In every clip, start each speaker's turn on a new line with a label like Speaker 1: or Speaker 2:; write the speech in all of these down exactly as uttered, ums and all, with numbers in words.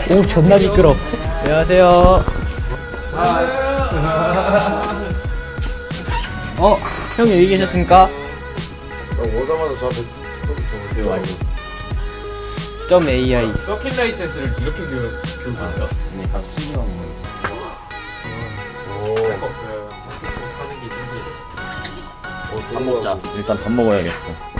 Speaker 1: 오 존나 미끄러. 안녕하세요. 어, 형 여기 계셨습니까?
Speaker 2: 오자마자 저한테 저한테 와요.
Speaker 1: 점 에이아이.
Speaker 2: 서킷 라이센스를 이렇게 교육 교육해요?
Speaker 3: 네, 다 신경
Speaker 2: 오. 할거 없어요. 하는 게 신기해.
Speaker 3: 밥 먹자. 일단 밥 먹어야겠어.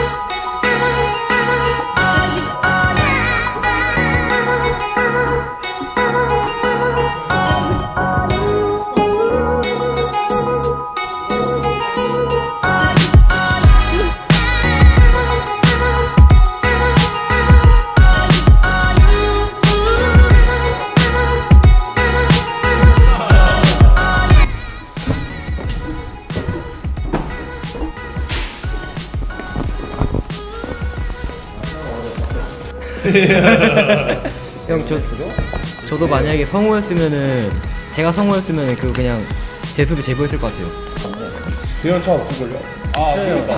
Speaker 1: 형, 저, 저도 만약에 성우였으면은, 제가 성우였으면은 그 그냥 재수를 제보했을 것 같아요.
Speaker 2: 대연차 없을걸요? 아, 그러니까.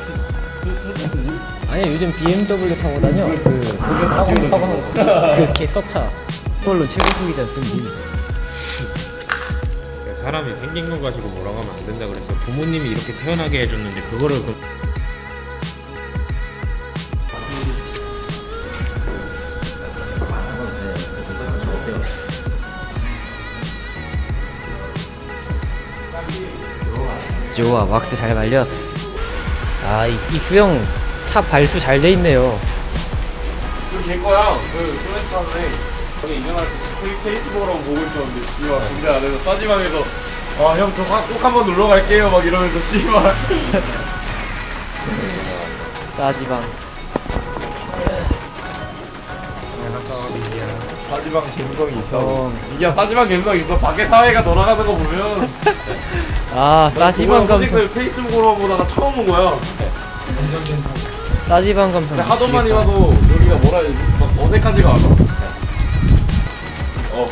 Speaker 1: 아니, 요즘 비엠더블유 타고 다녀. 그, 그게 사고, 사고 하는 거. 그 개떡차. 그걸로 최고 수기자 쓴 님.
Speaker 4: 사람이 생긴 거 가지고 뭐라고 하면 안 된다 그랬어. 부모님이 이렇게 태어나게 해줬는데 그거를 그...
Speaker 1: 좋아, 왁스 잘 말렸어. 아, 이, 이 수영 차 발수 잘 돼 있네요.
Speaker 2: 그 걔거야. 그 소렌타네. 저기 인연할 때 페이스북으로 보고 있었는데 씨발 군대 안에서 싸지방에서 아 형 저 꼭 한번 놀러 갈게요 막 이러면서 씨발.
Speaker 1: 따지방.
Speaker 2: 싸지방 감성이 있어.
Speaker 1: 어.
Speaker 2: 이게 싸지방 감성이 있어. 밖에 사회가 돌아가는 거 보면.
Speaker 1: 아, 따지방 감성.
Speaker 2: 그 페이스북으로 보다가 처음 온 거야.
Speaker 1: 따지방 감성.
Speaker 2: 근데 하도 많이
Speaker 1: 미치겠다.
Speaker 2: 와도 여기가 뭐라 해야 되지? 막 어색하지가 않아. 어.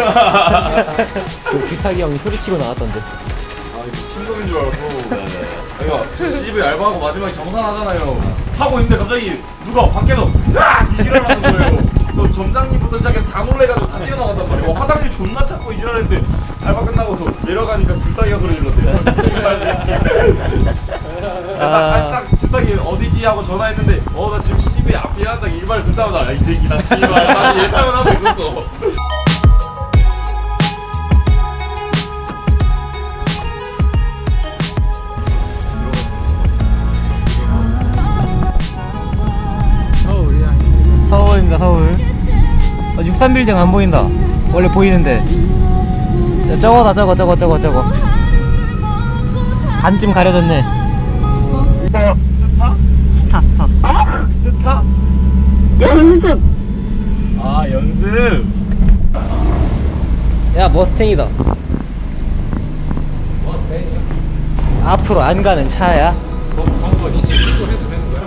Speaker 1: 그 규탁이 형이 소리치고 나왔던데.
Speaker 2: 아 이거 친구인 줄 알고. 그러니까 집에 알바하고 마지막에 정산하잖아요. 하고 있는데 갑자기 누가 밖에서 으악! 이지랄 하는 거예요. 저 점장님부터 시작해서 다 놀래가지고 다 뛰어나간단 말이에요. 어, 화장실 존나 찾고 이지랄했는데 알바 끝나고 내려가니까 둘따기가 소리 질렀대요.
Speaker 1: 아.
Speaker 2: 딱 둘따기 어디지 하고 전화했는데 어 나 지금 티비 앞이야. 딱 일발 듣자마자 이 새끼 나 씨발 나 예상을 하고 있었어.
Speaker 1: 서울입니다, 서울. 어, 육십삼 빌딩 안 보인다. 원래 보이는데. 야, 저거다, 저거, 저거, 저거, 저거. 반쯤 가려졌네.
Speaker 2: 스타?
Speaker 1: 스타, 스타.
Speaker 2: 스타? 연습! 아 연습!
Speaker 1: 야, 머스탱이다. 앞으로 안 가는 차야.
Speaker 2: 너 방금 시계 찍고 해도 되는 거야?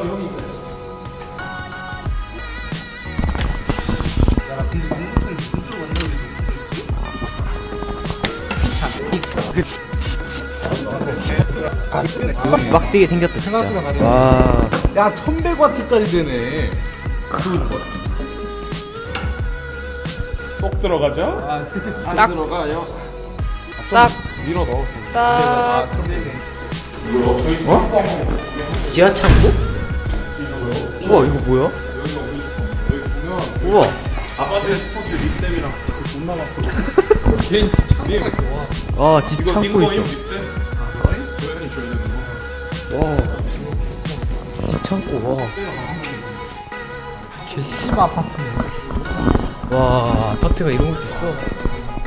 Speaker 1: 막 세게 생겼다, 진짜. 와.
Speaker 5: 야 천백 와트까지 되네.
Speaker 2: 쏙 들어가죠?
Speaker 1: 딱.
Speaker 2: 들어가요?
Speaker 1: 딱,
Speaker 2: 밀어 넣어.
Speaker 1: 딱.
Speaker 2: 이거 저희 어?
Speaker 1: 지하 창고? 우와, 이거 뭐야?
Speaker 2: 여기가 우리 집. 여기 보면
Speaker 1: 우와.
Speaker 2: 아파트에 스포츠 립댐이랑 스티커 존나 많고. 개인 집 창고가 있어. 와.
Speaker 1: 와, 집
Speaker 2: 이거
Speaker 1: 창고
Speaker 2: 딩거임
Speaker 1: 있어.
Speaker 2: 립댐? 아 그래? 조연이 줘야 되는 거.
Speaker 1: 와. 집 창고, 와. 개 씨바 아파트네. 와, 아파트가 이런 것도 있어.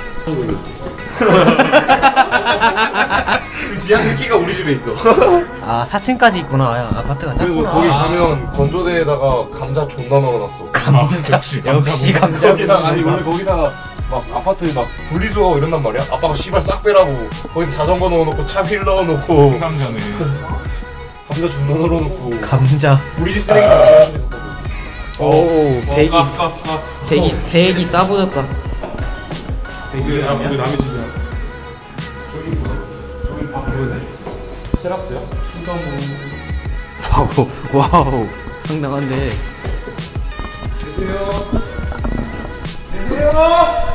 Speaker 2: 그 지하 스키가 우리 집에 있어.
Speaker 1: 아, 사 층까지 있구나. 야, 아파트가
Speaker 2: 그리고
Speaker 1: 작구나.
Speaker 2: 거기 가면 건조대에다가 감자 존나 넣어놨어.
Speaker 1: 감자. 역시 감자.
Speaker 2: 거기다가 아니 원래 거기다가 막 아파트 막 분리수거하고 이런단 말이야. 아빠가 씨발 싹 빼라고 거기서 자전거 넣어놓고 차휠 넣어놓고 감자네. 감자 존나 넣어놓고
Speaker 1: 감자.
Speaker 2: 우리 집 쓰레기 다 지하 있는 거.
Speaker 1: 오, 배기.
Speaker 2: 가스 가스 가스.
Speaker 1: 배기, 배기 싸보졌다.
Speaker 2: 이게 아 우리 남의 집이야. 저기 보자. 저기 아 그러네. 테라스야? 충당으로.
Speaker 1: 와우, 와우. 상당한데.
Speaker 2: 계세요. 어?